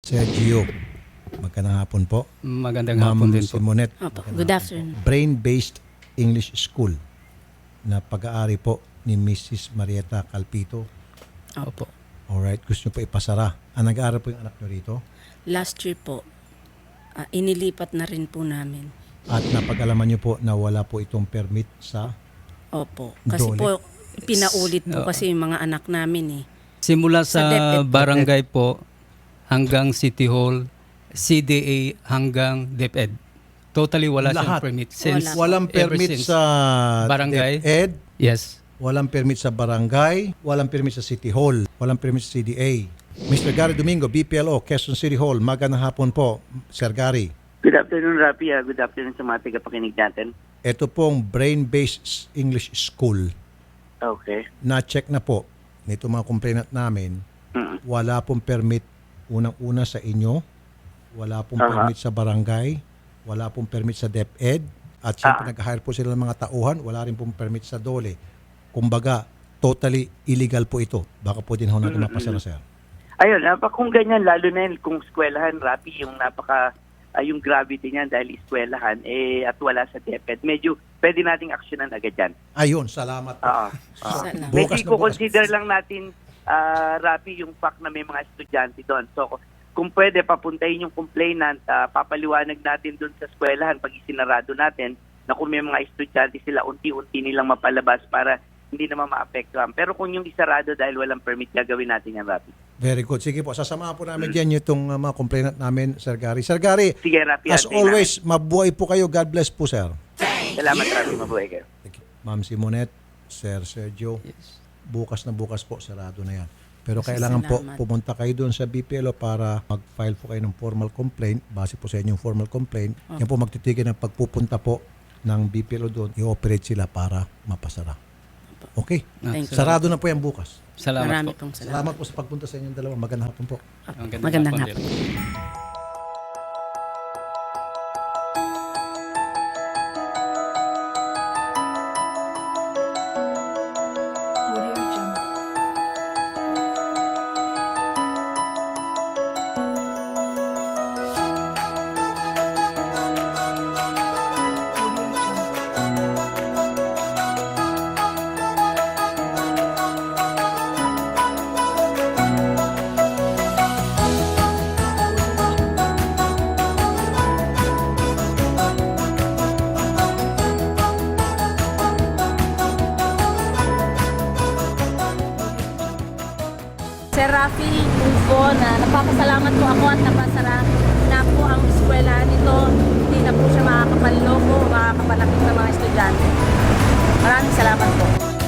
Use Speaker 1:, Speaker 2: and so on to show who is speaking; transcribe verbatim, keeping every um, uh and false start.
Speaker 1: Sergio, magandang hapon po.
Speaker 2: Magandang
Speaker 1: Ma'am
Speaker 2: hapon din po.
Speaker 1: Simonet,
Speaker 3: Opo,
Speaker 1: magandang
Speaker 3: good
Speaker 1: hapon
Speaker 3: afternoon.
Speaker 1: po. Brain-based English School na pag-aari po ni Missus Marieta Calpito.
Speaker 2: Opo.
Speaker 1: Alright, gusto nyo po ipasara. Ang nag-aaral po yung anak nyo rito
Speaker 3: Last year po, ah, inilipat na rin po namin.
Speaker 1: at napag-alaman nyo po na wala po itong permit sa
Speaker 3: Opo. Kasi
Speaker 1: Dole.
Speaker 3: po, pinaulit po
Speaker 2: Oo.
Speaker 3: kasi yung mga anak namin eh.
Speaker 2: Simula
Speaker 3: Sa
Speaker 2: sa
Speaker 3: DepEd po.
Speaker 2: barangay po hanggang City Hall, C D A hanggang DepEd. Totally wala siyang
Speaker 1: Lahat.
Speaker 2: permit. Since,
Speaker 3: Wala.
Speaker 1: walang
Speaker 2: ever
Speaker 1: permit
Speaker 2: since.
Speaker 1: sa
Speaker 2: Barangay.
Speaker 1: DepEd,
Speaker 2: Yes.
Speaker 1: walang permit sa barangay, walang permit sa City Hall, walang permit sa C D A. Mister Gary Domingo, B P L O, Quezon City Hall. Magandang hapon po, Sir Gary.
Speaker 4: Good afternoon, Rafi. Uh, good afternoon sa mga tagapakinig natin.
Speaker 1: Ito pong brain-based English School.
Speaker 4: Okay.
Speaker 1: Na-check na po nito mga complainant namin.
Speaker 4: Mm.
Speaker 1: Wala pong permit unang-una sa inyo. Wala pong
Speaker 4: Aha.
Speaker 1: permit sa barangay. Wala pong permit sa DepEd. At siyempre
Speaker 4: Ah.
Speaker 1: nag-hire po sila ng mga tauhan. Wala rin pong permit sa Dole. Kumbaga, totally illegal po ito. Baka po din ho natin mapasara, sir.
Speaker 4: Ayun, uh, kung ganyan, lalo na yun, kung eskwelahan, Rafi, yung napaka, uh, yung gravity niyan dahil eskwelahan, eh, at wala sa DepEd, medyo pwede nating aksyonan agad yan.
Speaker 1: Ayun, salamat po.
Speaker 4: Oo. Oo.
Speaker 3: Salamat.
Speaker 4: Medyo
Speaker 1: Bukas na bukas.
Speaker 4: consider lang natin, uh, Rafi, yung fact na may mga estudyante doon. So, kung pwede, papuntahin yung complainant, uh, papaliwanag natin doon sa eskwelahan pag isinarado natin na kung may mga estudyante sila, unti-unti nilang mapalabas para hindi naman maapektuhan. Pero kung yung isarado dahil walang permit, gagawin natin yan, Rafi.
Speaker 1: Very good. Sige po, sasamahan po namin dyan itong uh, mga complainant namin, Sir Gary. Sir Gary,
Speaker 4: Sige, Rafi.
Speaker 1: as
Speaker 4: antayin
Speaker 1: always, mabuhay po kayo. God bless po, sir.
Speaker 4: namin. Salamat, Rafi. Mabuhay kayo.
Speaker 1: Ma'am Simonet, Sir Sergio,
Speaker 2: Yes.
Speaker 1: bukas na bukas po, sarado na yan. Pero kailangan po
Speaker 3: Salamat.
Speaker 1: pumunta kayo doon sa B P L O para mag-file po kayo ng formal complaint. Base po sa inyong formal complaint. Yan po magtitigil ng pagpupunta po ng B P L O doon. I-operate sila para mapasara. Okay?
Speaker 3: Thank you.
Speaker 1: Sarado na po yan bukas.
Speaker 2: Salamat
Speaker 3: Marami
Speaker 2: po.
Speaker 3: pong salamat.
Speaker 1: Salamat po sa pagpunta sa inyong dalawa. Magandang hapon po.
Speaker 3: Magandang
Speaker 2: din.
Speaker 3: hapon.
Speaker 5: Sir Rafi Ufo, na napapasalamat po ako at napasara na po ang eskwela nito. Hindi na po siya makakapanloko o makakapalakit ng mga estudyante. Maraming salamat po.